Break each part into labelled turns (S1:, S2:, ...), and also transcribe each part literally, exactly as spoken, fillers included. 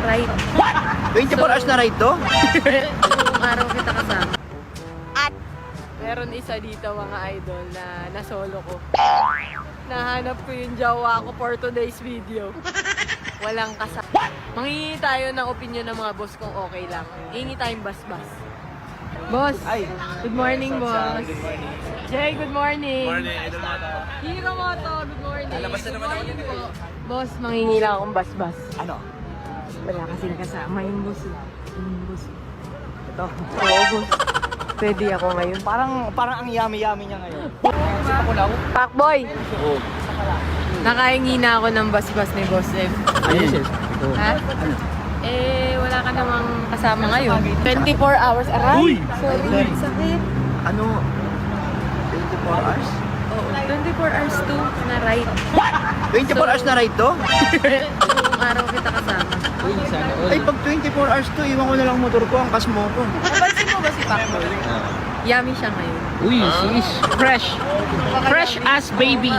S1: ride.
S2: twenty-four hours na ride to?
S1: Buong araw kita kasama.
S3: At meron isa dito mga idol na nasolo ko. Nahanap ko yung jowa ko for today's video. Walang kasama. Manghingi tayo ng opinion ng mga boss kung okay lang. Hingi tayong bas-bas. Boss,
S2: Ay.
S3: good morning, boss.
S2: Good morning.
S3: Jay, good morning.
S2: Morning, Idol Moto.
S3: Hiro Moto, good morning.
S2: Lalabas na naman ako
S3: Good morning
S2: dito.
S3: po. Boss, manghingi lang akong bas-bas.
S2: Ano?
S3: Wala kasing kasama yung boss. eh. Yung boss.
S2: Ito.
S3: Oo, boss. Pwede ako ngayon.
S2: Parang, parang ang yummy-yummy niya ngayon. Kasi pakulaw?
S3: Pakboy!
S2: Oo.
S3: Nakahingi na ako ng bas-bas ni Boss M.
S2: Ayun, sis.
S3: Ha? Eh, wala ka namang kasama ngayon. twenty-four hours. Aray!
S2: Uy!
S3: Sorry, sakit.
S2: Ano? twenty-four hours?
S3: Oo, twenty-four hours to na ride.
S2: twenty-four hours na ride to?
S3: Buong araw kita kasama.
S2: Ay, pag twenty-four hours to, iwan ko na lang motor ko, angkas mo ko.
S3: Napansin mo ba si Pakboy? Yummy siya ngayon.
S4: Uy, sis. Fresh. Fresh as baby.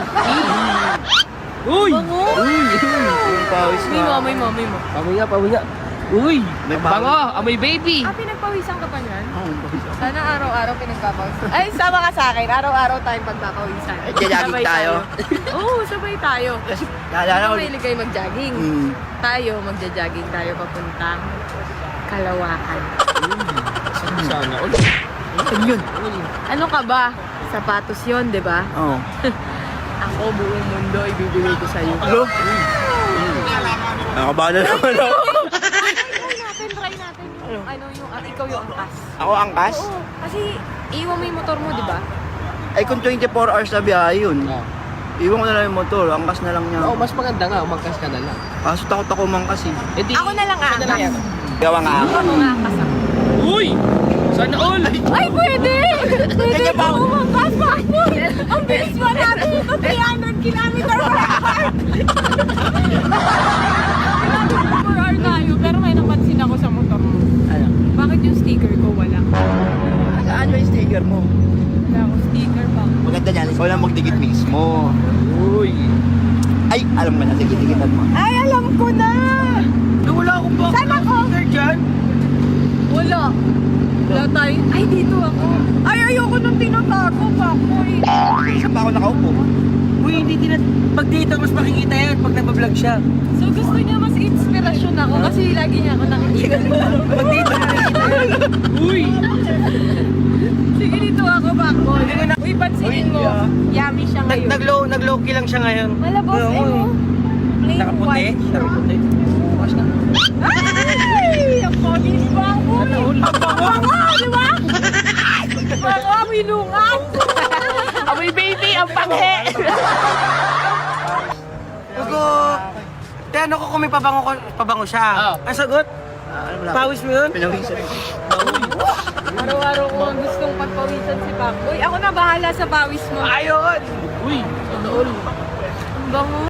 S4: Uy!
S3: Bango!
S2: Uy! Yung pawis
S3: Amoy mo,
S2: na.
S3: amoy mo, amoy mo.
S4: Amoy nga, amoy nga. Uy!
S2: May
S4: Bango! Amoy baby!
S3: Ah, pinagpawisan ka pa niyan?
S2: Oo, pawis ako.
S3: Sana araw-araw pinagpapawisan. Ay, sama ka sa akin. Araw-araw tayong pagpapawisan.
S2: Eh, jogging
S3: Sabay
S2: tayo.
S3: Oo, oh, sabay tayo.
S2: Kasi, naalala
S3: Ano
S2: ko.
S3: mahilig kayo mag-jogging?
S2: Hmm.
S3: Tayo, magja-jogging tayo papuntang Kalawakan.
S4: Sana. Uy!
S2: Ano yun?
S3: Ano ka ba? Sapatos yon, di ba?
S2: Oo.
S3: Ako, buong mundo, ibibigay ko sa'yo.
S2: Hello? Nakabahan na naman ako.
S3: Try natin, try natin. Yung, ano, yung, ah, ikaw yung angkas.
S2: Ako angkas?
S3: Oo, kasi iwan mo yung motor mo, di ba?
S2: Ay, kung twenty-four hours na biyahe yun.
S4: Ah.
S2: Iwan ko na lang yung motor, angkas na lang niya.
S4: Oo, mas maganda nga. Umangkas ka na lang.
S2: Kaso takot ako mangkas eh.
S4: Eh, di,
S3: Ako na lang
S4: siya
S3: aangkas.
S4: yan.
S2: Gawa nga ako.
S3: Ako nga angkas ako.
S4: Uy! Sana all!
S3: Ay, pwede! Pwede
S2: Kanya pa
S3: po
S2: ako.
S3: umangkas, Pakboy! Ang bilis mo natin ito, three hundred kilometer per hour! Per hour tayo, pero may napansin ako sa motor mo.
S2: Ano?
S3: Bakit yung sticker ko wala?
S2: Saan ba yung sticker mo?
S3: Wala akong sticker pa.
S2: Maganda niyan, ikaw lang magdikit mismo.
S4: Uy!
S2: Ay, alam mo na, sige, dikitan mo.
S3: Ay, alam ko na!
S2: Wala akong box.
S3: Saan ako?
S2: dyan?
S3: Wala. Wala tayo. Ay, dito ako. Ay, ayoko nung tinatago, Pakboy.
S2: Saan pa ako nakaupo?
S4: Uy, hindi din pag dito mas makikita yan pag nagbablog siya.
S3: So, gusto niya mas inspirasyon ako kasi lagi niya ako nakikita.
S4: Pag dito nakikita yan. Uy!
S3: Sige, dito ako, Pakboy. Uy, pansinin mo. Yummy siya ngayon.
S4: Nag-low, nag-low key lang siya ngayon.
S3: Malabos, eh, mo. Plain
S4: Nakaputi.
S3: white siya.
S4: Nakaputi. Bukas na.
S3: Ay! Ang pogi ni Pakboy. Ang bango, di ba? Bango, minungan.
S4: Amoy baby! Ang panghe!
S5: Bago, ano ko kung may pabango, ko, pabango siya?
S4: Oo.
S5: Ang sagot?
S2: Ah, ano wala.
S5: Pawis mo yun?
S2: Pinawisan.
S3: Araw-araw ko ang gustong pagpawisan si Pakboy. Ako na bahala sa pawis mo.
S5: Ayun!
S4: Uy!
S3: Ang bango.